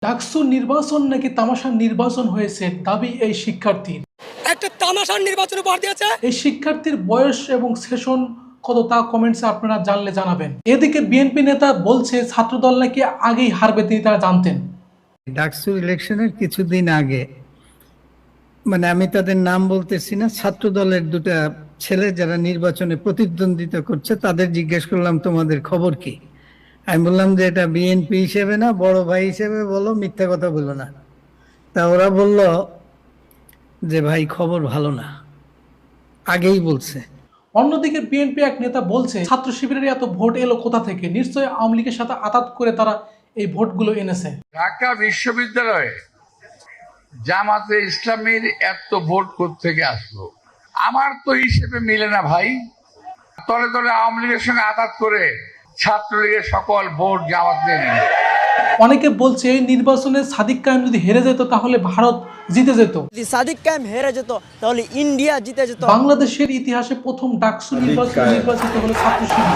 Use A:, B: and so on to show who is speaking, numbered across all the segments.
A: ডাকসু নির্বাচন নাকি তামাশার নির্বাচন হয়েছে দাবি এই শিক্ষার্থীর।
B: একটা তামাশার নির্বাচন উপহার দিয়েছে।
A: এই শিক্ষার্থীর বয়স এবং সেশন কত তা কমেন্টসে আপনারা জানলে জানাবেন। এদিকে বিএনপি নেতা বলছে ছাত্রদল নাকি আগেই হারবে, তিনি তারা জানতেন।
C: ডাকসু ইলেকশনের কিছুদিন আগে, মানে আমি তাদের নাম বলতেছি না, ছাত্র দলের দুটা ছেলে যারা নির্বাচনে প্রতিদ্বন্দ্বিতা করছে তাদের জিজ্ঞেস করলাম তোমাদের খবর কি। আমি বললাম যে এটা বিএনপি হিসেবে না, বড় ভাই হিসেবে বলো, মিথ্যা কথা বলো না। তা ওরা বলল যে ভাই খবর ভালো না, আগেই বলছে।
A: অন্যদিকে বিএনপি এক নেতা বলছে ছাত্র শিবিরের এত ভোট এলো কোথা থেকে, নিশ্চয়ই আওয়ামী লীগের সাথে আতাত করে তারা এই ভোটগুলো এনেছে।
D: ঢাকা বিশ্ববিদ্যালয়ে জামাতে ইসলামীর এত ভোট কোত্থেকে আসলো? আমার তো হিসেবে মিলে না ভাই। তলে তলে আওয়ামী লীগের সঙ্গে আঘাত করে ছাত্রলীগের সকল ভোট জামাত নিয়ে নিল।
A: অনেকে বলছে এই নির্বাচনে সাদিক কায়েম যদি হেরে যেত তাহলে ভারত জিতে যেত।
B: যদি সাদিক কায়েম হেরে যেত তাহলে ইন্ডিয়া জিতে যেত।
A: বাংলাদেশের ইতিহাসে প্রথম ডাকসু নির্বাচিত হলো ছাত্র শিবির।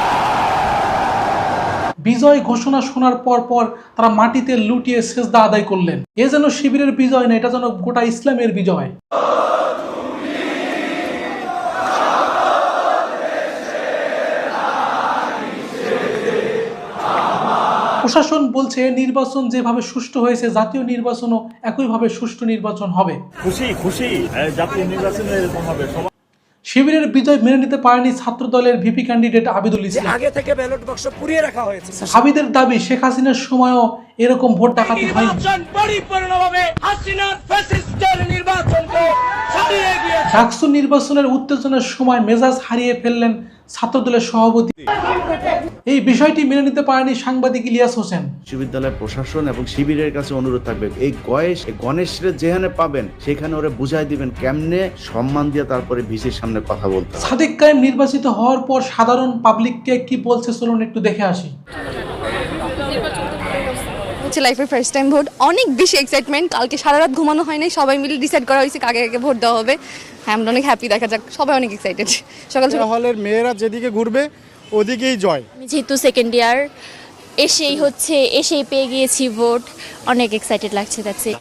A: বিজয় ঘোষণা শোনার পর তারা মাটিতে লুটিয়ে সেজদা আদায় করলেন। এ যেন শিবিরের বিজয় না, এটা যেন গোটা ইসলামের বিজয়। প্রশাসন বলছে নির্বাচন যেভাবে সুষ্ঠু হয়েছে জাতীয় নির্বাচনও একইভাবে সুষ্ঠু নির্বাচন হবে।
E: খুশি জাতীয় নির্বাচনে এরকম হবে।
A: শিবিরের বিজয় মেনে নিতে পারেনি ছাত্র দলের ভিপি ক্যান্ডিডেট আবিদুল ইসলাম।
B: আগে থেকে ব্যালট বাক্স পুড়িয়ে রাখা হয়েছে।
A: আবিদের দাবি শেখ হাসিনার সময়ও এরকম ভোট ডাকাতি হয়নি।
B: পরিপূর্ণভাবে হাসিনার ফ্যাসিস্টের নির্বাচনকে ছাড়িয়ে গিয়েছে।
A: ডাকসু নির্বাচনের উত্তেজনার সময় মেজাজ হারিয়ে ফেললেন ছাত্রদলের সভাপতি। এই বিষয়টি মেনে নিতে পারেনি সাংবাদিক ইলিয়াস হোসেন।
F: বিশ্ববিদ্যালয় প্রশাসন এবং শিবিরের কাছে অনুরোধ থাকবে, এই গণেশরে যেখানে পাবেন সেখানে ওরা বুঝাই দিবেন কেমনে সম্মান দিয়ে তারপরে ভিসির সামনে কথা বলতে।
A: সাদিক কায়েম নির্বাচিত হওয়ার পর সাধারণ পাবলিককে কি বলছে চলুন একটু দেখে আসি।
G: লাইফের ফার্স্ট টাইম ভোট, অনেক বেশি এক্সাইটমেন্ট। কালকে সারা রাত ঘুমানো হয় নাই, সবাই মিলে ডিসাইড করা হয়েছে কাকে কাকে ভোট দেওয়া হবে। হ্যাঁ, আমরা অনেক হ্যাপি, দেখা যাক, সবাই অনেক এক্সাইটেড। সকাল সকাল
H: হলের মেয়েরা যেদিকে ঘুরবে ওদিকেই জয়।
I: আমি যেহেতু সেকেন্ড ইয়ার এসেই পেয়ে গিয়েছি ভোট, অনেক এক্সাইটেড লাগছে।